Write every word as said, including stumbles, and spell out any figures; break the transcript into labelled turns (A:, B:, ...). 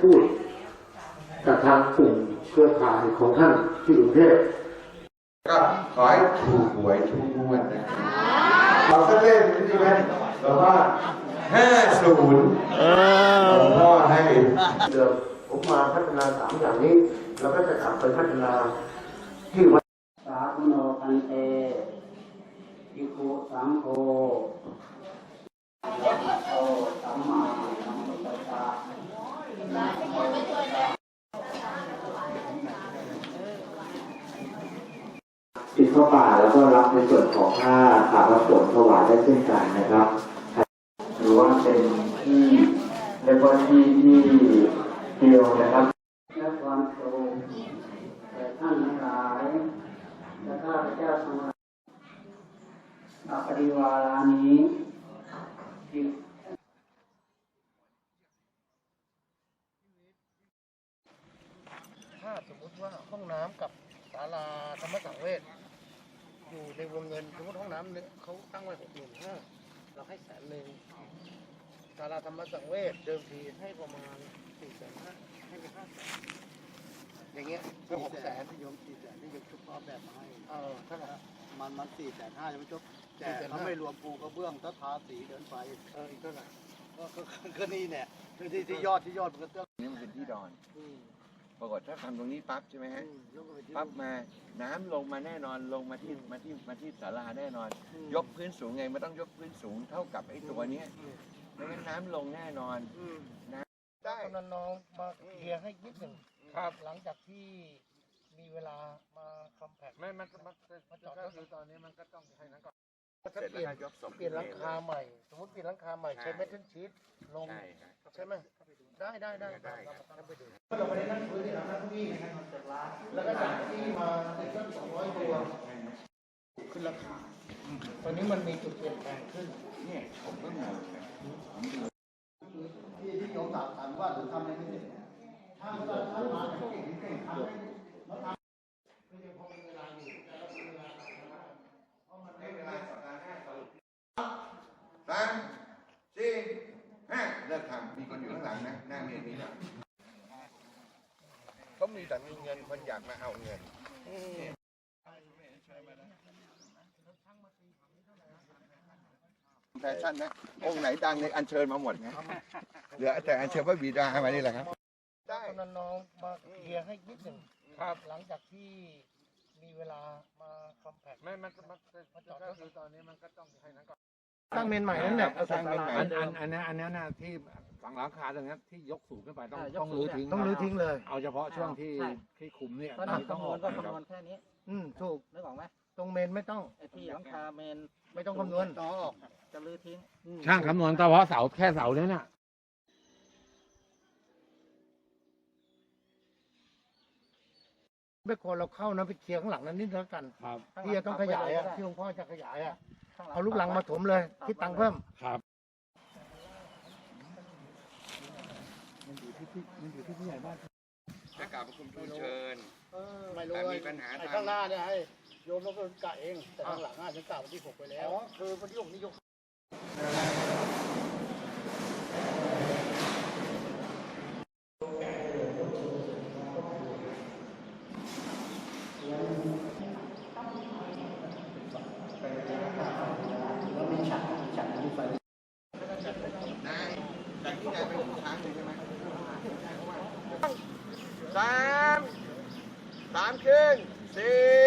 A: พูดกับทางกลุ่มเครือข่ายของท่านที่กรุงเทพ
B: ก็ขอให้ถูกหวยทุกงวดนะครับเราก็เล่นใช่ไหมเราว่าห้าศูนย์หลวงพ่อให้
A: เดิมผมมาพัฒนาสามอย่างนี้เราก็จะกลับไปพัฒนาที่วัด
C: สาธุโนพันเตอิโกสังโฆโตสัมมาสัมพุทธัสสะติดเข้าป่าแล้วก็รับในส่วนของค่าขาพระสงฆ์ถวายได้เช่นกันนะครับหรือว่าเป็นที่เรียกว่าที่ที่เดียวนะครับและความโปร่งแต่ท่านทั้งหลายและข้าพเจ้าทั้งหลายนับปฏิวารานี้ที่
A: ถ้าสมมติว่าห้องน้ำกับศาลาธรรมสังเวชอยู่ในวงเงินสมมติห้องน้ำเนี่ยเขาตั้งไว้หกหมื่นห้าเราให้แสนหนึ่งศาลาธรรมสังเวชเดิมทีให้ประมาณสี่แสนห้าให้ไปห้าแสนอย่างเงี้ยก็หกแสน
D: โยมสี่แสนที่โยมชุบพร้อมแบบมาให้
A: เออเท่าไหร่
D: มันมันสี่แสนห้ายังไม่จบแต่เขาไม่รวมปูกระเบื้องถ้าทาสีเดินไป
A: เอออีกเท่าไหร่
D: ก็ก็ก็นี่เนี่ยที่ที่ยอดที่ยอดมันก็เตื้อ
B: นี่มันเป็นที่ดอน
A: อืม
B: ปรากฏถ้าทำตรงนี้ปั๊บใช่ไหมฮะ
A: อืมยกไปที่
B: ปั๊บมาน้ำลงมาแน่นอนลงมาที่มาที่มาที่ศาลาแน่นอน
A: อืม
B: ยกพื้นสูงไงมันต้องยกพื้นสูงเท่ากับไอ้ตัวเนี้ย
A: อืม
B: ไม่งั้นน้ำลงแน่นอน
A: อืม
B: ได้
A: กำนันน้องมาเคลียร์ให้นิดหนึ่งครับ หลังจากที่มีเวลามาคอมแพคไม่มันมันมาจอดก็คือตอนนี้มันก็ต้องใช้นั้นก่อนถ้าเปลี่ยนเปลี่ยนหลังคาใหม่ สมมติเปลี่ยนหลังคาใหม่ใช้เมทัลชีทลง
B: ใช่ครับ
A: ใช่ไหมได้ได้ได้
B: ได้ครับ
A: เราไปดูเราไปนั่งคุยที่นั่งที่แล้วก็จากที่มาติดตั้งสองร้อยตัวขึ้นราคาตอนนี้มันมีจุดเปลี่ยนแปลงขึ้น
B: เนี่ยผมก็งงนะ
D: ที่ที่โยมถามถามว่าหรือทำอะไรไม่เสร็จถ้ามันถ้ามาเก่งเก่งทำได้มาทำ
B: ให้เวลาสัปดาห์หน้าสรุปสามสี่ห้าเลิกทำมีคนอยู่ข้างหลังนะหน้าเมียนี้นะเขามีแต่มีเงินคนอยากมาเอาเงินแฟชั่นนะองค์ไหนดังเลยอัญเชิญมาหมดนะเหลือแต่อัญเชิญพระบิดามานี่แหละครับได้
A: กำนันน้องมาเคลียร์ให้นิดหนึ่งครับหลังจากที่มีเวลามาคอมแพคไม่มันมันมาจอดก็คือตอนนี้มันก็ต้องใช้นั้นก่อนตั้งเมนใหม่นั่นแหละ
B: สร้างเมนใหม่
E: อันอันอันนี้อันนี้นะที่ฝั่งหลังคาตรงนี้ที่ยกสูงขึ้นไปต้องต้องรื้อทิ้ง
A: ต้องรื้อทิ้งเลย
E: เอาเฉพาะช่วงที่ที่คุมเนี่ย
C: ก็
E: ตอน
C: นับ
E: นี้ต้อง
C: คำน
E: อ
C: ว
E: อ
C: ณ
E: ก
C: ก็คำนวณแค่นี้
A: อืมถูก
C: นึกออกไหม
A: ตรงเมนไม่ต้อง
C: ไอ้ที่หลังคาเมน
A: ไม่ต้องคำนวณ
C: ต่อออกจะรื้อทิ้ง
E: ช่างคำนวณเฉพาะเสาแค่เสาเนี่ยน่ะ
A: ไม่ควรเราเข้านะไปเคลียร์ข้างหลังนั้นนิดแล้วกัน
E: ครับ
A: ที่จะต้องขยายอะที่หลวงพ่อจะขยายอะ
C: ข้างหลัง
A: เอาลูกลังมาถมเลยคิดตังค์เพิ่ม
E: ครับ
B: จะกล่าวประคุมทูลเชิญ
D: ไม่รู้
B: แต่มีปัญหา
D: ไอ้
B: ทา
D: ข้าง งหน้าเนี่ยให้โยมต้องกะเองแต่ข้างหลังอ่ะฉันกะวันที่หกไปแล้ว
A: อ๋อคือวันที่หกนี่ยก
B: นายจากที่นายไปถึงช้างเลยใช่ไหมสาม สามขึ้นสี่